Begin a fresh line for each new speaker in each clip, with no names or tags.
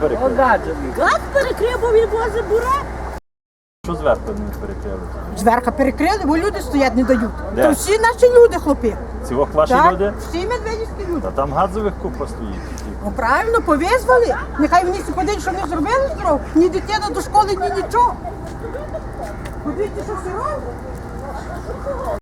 перекрив?
Газ перекрив, бо він возить бура.
Що зверху не перекрили?
Зверха перекрили, бо люди стоять не дають.
Де?
То всі наші люди, хлопці.
Ці ваші
Так,
люди?
всі медведівські люди.
Та там газових купа стоїть.
Ну правильно, повизвали. Нехай вони подивляться, що не зробили здоров. Ні дитина до школи, ні нічого. Подивіться, що все робить.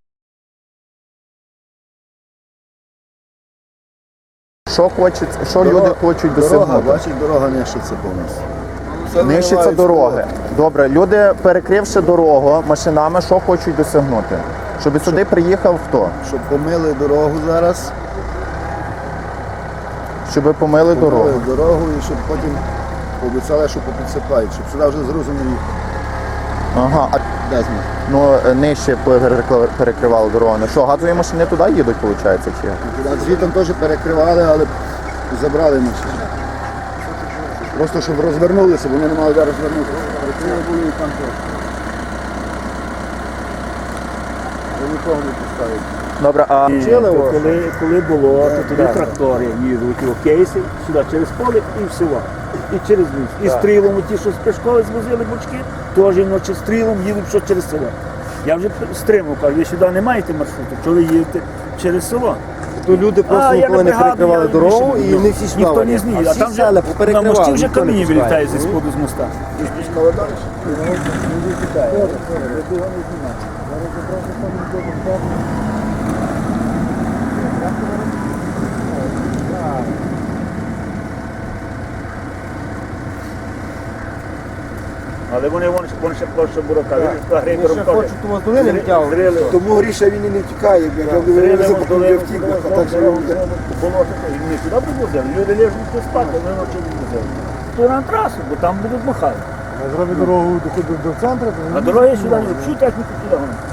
Що люди хочуть досягнути?
Бачить, дорога нищиться повністю.
Нищаться дороги. Добре, люди, перекривши дорогу машинами, що хочуть досягнути? Щоб сюди приїхав хто?
Щоб помили дорогу зараз,
Щоб помили дорогу.
помили дорогу і щоб потім обіцяли, що попідсипають, щоб сюди вже зрозуміло їхати.
Ага, а
Де з них?
нижче перекривали дорогу. Ну що, газові машини туди їдуть, виходить, чи як?
А звітом теж перекривали, але забрали машини. Просто щоб розвернулися, бо вони не мали де розвернутися. Перекрили були і там теж. Вони нікого не поставили.
Добре, а
Коли було, то тоді трактори їдуть у кейси сюди через поле і в село. І через ліс. І стрілом, ті, що з Пешкови звозили бочки, теж ночі стрілом їдуть що через село. Я вже стримав, кажу, ви сюди не маєте маршруту, чого ви їдете через село?
То люди просто ніколи не перекривали дорогу і не всі сюди.
Ніхто не зміє, а там вже на мості вже каміння вилітає зі споду з моста.
І спускали далі.
Але вони ще площа бурака.
Вони ще хочуть у вас долини втягувати.
Тому Гріша він і не тікає, як говорили, за втік, а так же
болото, і вони сюди привозили. Люди лежать тут спати, вони ночі привозили. То на трасу, бо там будуть махати.
Зробить дорогу до центру.
А дороги сюди, всю техніку сюди.